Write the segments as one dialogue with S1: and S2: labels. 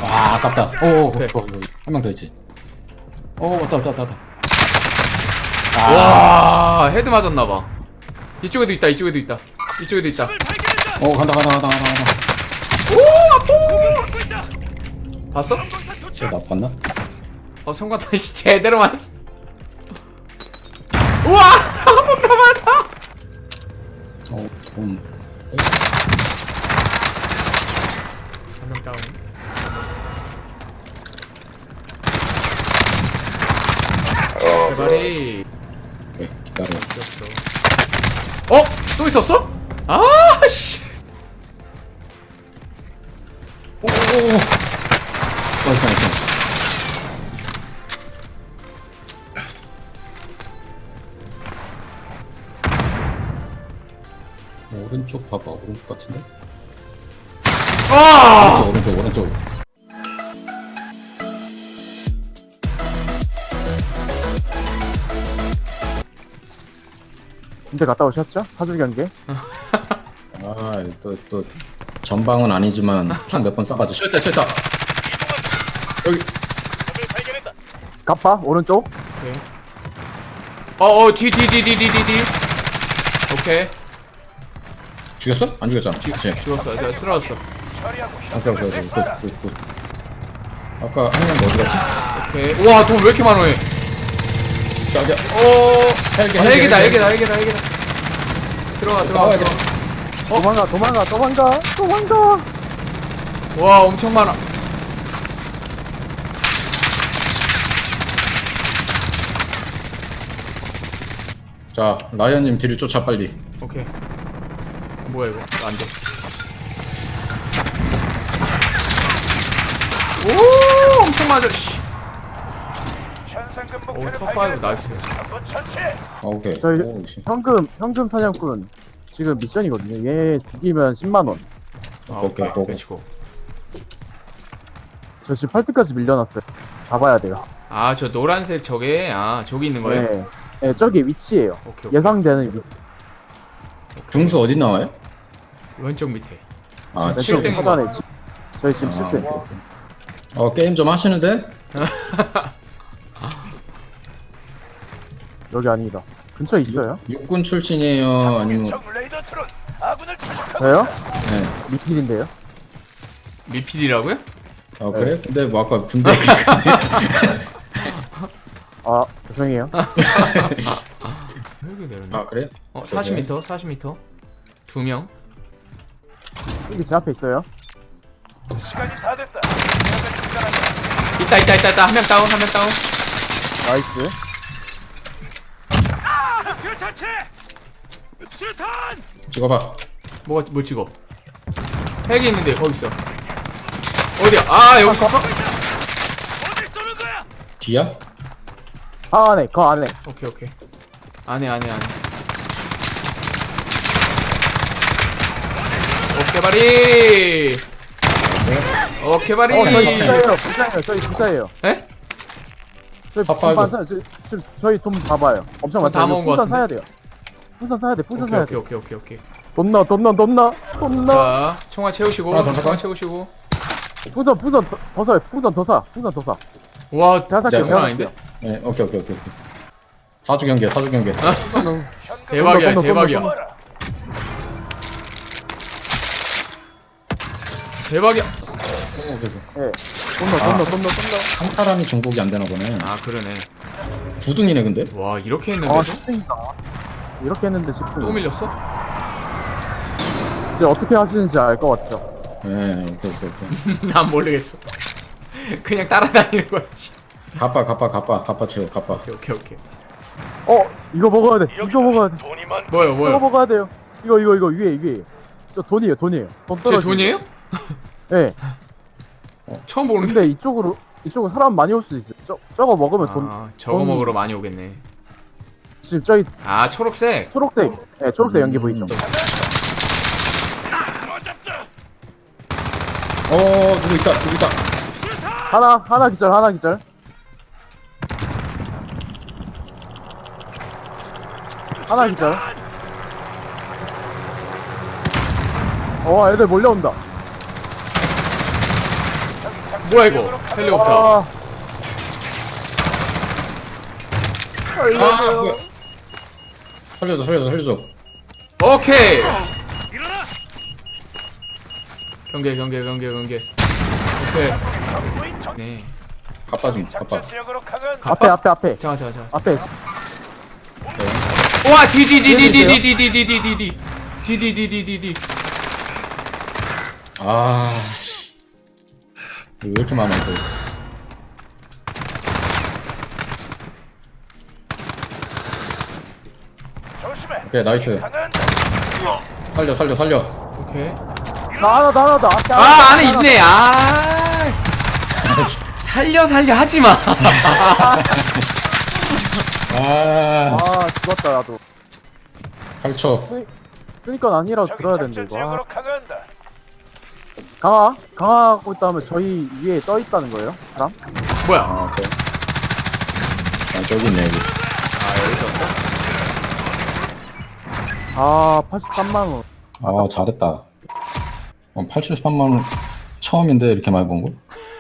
S1: 아, 아깝다. 오,
S2: 오케이.
S1: 한 명 더 있지. 오, 왔다.
S2: 와, 헤드 맞았나봐. 이쪽에도 있다. 이쪽에도 있다.
S1: 간다.
S2: 봤어?
S1: 쟤 나빴나?
S2: 성광탄 씨 제대로 맞았어. 우와, 한번 더 맞아.
S1: 돈.
S2: 한명 다운. 제발이.
S1: 오케이, 기다려.
S2: 또 있었어? 아, 씨.
S1: 오. 나이스. 오른쪽 봐봐. 오른쪽 같은데?
S2: 아!
S1: 오른쪽.
S3: 군대 갔다 오셨죠? 사줄 경계?
S1: 아, 또 전방은 아니지만 총 몇 번 쏴가지고 쉣다. 여기.
S3: 갑바 오른쪽.
S2: 오케이. 뒤. 오케이.
S1: 죽였어? 안 죽였잖아.
S2: 죽었어. 내가 쓰러졌어.
S1: 오케이. 굿. 아까 한 명 어디 갔지?
S2: 오케이. 우와, 돈 왜 이렇게 많아, 얘?
S1: 저기.
S2: 헬기다. 들어가.
S1: 싸워야 돼.
S3: 도망가.
S2: 와, 엄청 많아.
S1: 자, 라이언님 뒤를 쫓아 빨리.
S2: 오케이. 뭐야 이거? 안 돼. 오, 엄청 맞아. 씨. 오, top5 나이스.
S1: 오케이.
S3: 저희
S1: 오, 씨.
S3: 현금 사냥꾼 지금 미션이거든요. 얘 죽이면 10만 원.
S1: 오케이.
S2: 렛츠고.
S3: 저 지금 8등까지 밀려났어요. 잡아야 돼요.
S2: 아, 저 노란색 저게 저기 있는 거예요?
S3: 네, 저기 위치예요.
S2: 오케이.
S3: 예상되는 위치.
S1: 등수 어디 나와요?
S2: 왼쪽 밑에.
S1: 아,
S2: 칠 등.
S3: 왼쪽 하단에 저희 지금 7등.
S1: 오케이. 게임 좀 하시는데?
S3: 여기 아니다. 근처에 있어요?
S1: 육군 출신이에요? 아니면
S3: 저요?
S1: 네.
S3: 미필인데요.
S2: 미필이라고요?
S1: 그래? 근데 뭐 아까 군대
S3: 아 죄송해요.
S2: 여기 내렸네.
S1: 아, 그래?
S2: 40m. 2명.
S3: 여기 제 앞에 있어요.
S2: 있다. 한 명 다운.
S3: 나이스.
S1: 찍어봐.
S2: 뭘 찍어? 헬기 있는데 거기 있어. 어디야? 아, 여기 있었어?
S1: 뒤야?
S3: 안에 거 안에.
S2: 오케이. 안에. 오케이 바리.
S3: 저희 부자예요.
S2: 에?
S3: 저희
S1: 탑5.
S3: 반찬 지금 저희 돈 봐봐요. 엄청
S2: 다
S3: 많잖아요.
S2: 먹은 거
S3: 풍선
S2: 같은데?
S3: 사야 돼요. 풍선 사야 돼.
S2: 오케이.
S3: 돈 넣어.
S2: 자, 총알 채우시고.
S1: 하나 더 살까?
S3: 풍선 더 사요. 풍선 더 사.
S2: 와,
S3: 제가 살게요.
S2: 장난 아닌데?
S1: 네, 오케이. 사주 경계.
S2: 대박이야.
S3: 돈 넣어.
S2: 대박이야.
S1: 오케이.
S3: 네. 돈 넣어.
S1: 한 사람이 정복이 안 되나 보네.
S2: 아, 그러네.
S1: 두 등이네 근데.
S2: 와, 이렇게
S3: 아
S2: 했는데도
S3: 10등이다. 이렇게 했는데
S2: 또
S3: 10등.
S2: 밀렸어?
S3: 이제 어떻게 하시는지 알 것 같죠?
S1: 네, 오케이.
S2: 난 모르겠어. 그냥 따라다니는 거지.
S1: 갑바 채워.
S2: 오케이.
S3: 이거 먹어야 돼.
S2: 뭐요?
S3: 저거 먹어야 돼요. 이거 위에. 저 돈이에요. 돈
S2: 제
S3: 떨어지는
S2: 돈이에요?
S3: 네.
S2: 처음 보는데.
S3: 근데 이쪽으로 사람 많이 올 수도 있어요. 저거 먹으면 돈
S2: 저거
S3: 돈-
S2: 먹으러 많이 오겠네.
S3: 지금 저기
S2: 초록색.
S3: 초록색. 네, 초록색 연기 보이죠?
S1: 누구 있다.
S3: 하나 기절. 하나 기절. 애들 몰려온다.
S2: 뭐야 이거? 헬리콥터.
S1: 아 뭐야 살려줘
S2: 오케이. 경계. 오케이. 네.
S1: 가빠
S3: 앞에.
S2: 자.
S3: 앞에.
S2: 와 디디디디디디디디디디디디디디디디디디디.
S1: 아 왜 이렇게 많아 이거. 오케이 나이스. 살려
S2: 오케이.
S3: 나 앞에.
S2: 아 안에 있네. 아 살려 하지마.
S1: 아
S3: 죽었다 나도.
S1: 8초.
S3: 그니까 아니라고 들어야 되는데 이거. 강화하고 있다면 저희 위에 떠 있다는 거예요? 사람?
S2: 뭐야?
S1: 아 오케이. 아 저기 있네 여기.
S3: 아 83만원.
S1: 아 잘했다. 83만원 처음인데 이렇게 많이 번 거?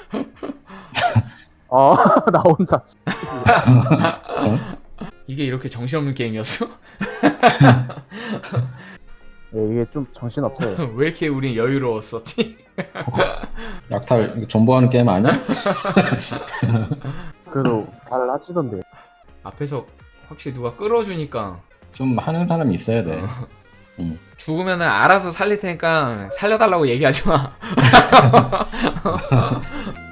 S3: 나 혼자.
S2: 이게 이렇게 정신없는 게임이었어?
S3: 네, 이게 좀 정신없어요.
S2: 왜 이렇게 우린 여유로웠었지?
S1: 약탈 이거 존버하는 게임 아니야?
S3: 그래도 잘 하시던데.
S2: 앞에서 확실히 누가 끌어주니까
S1: 좀 하는 사람이 있어야 돼.
S2: 죽으면은 알아서 살릴 테니까 살려달라고 얘기하지 마.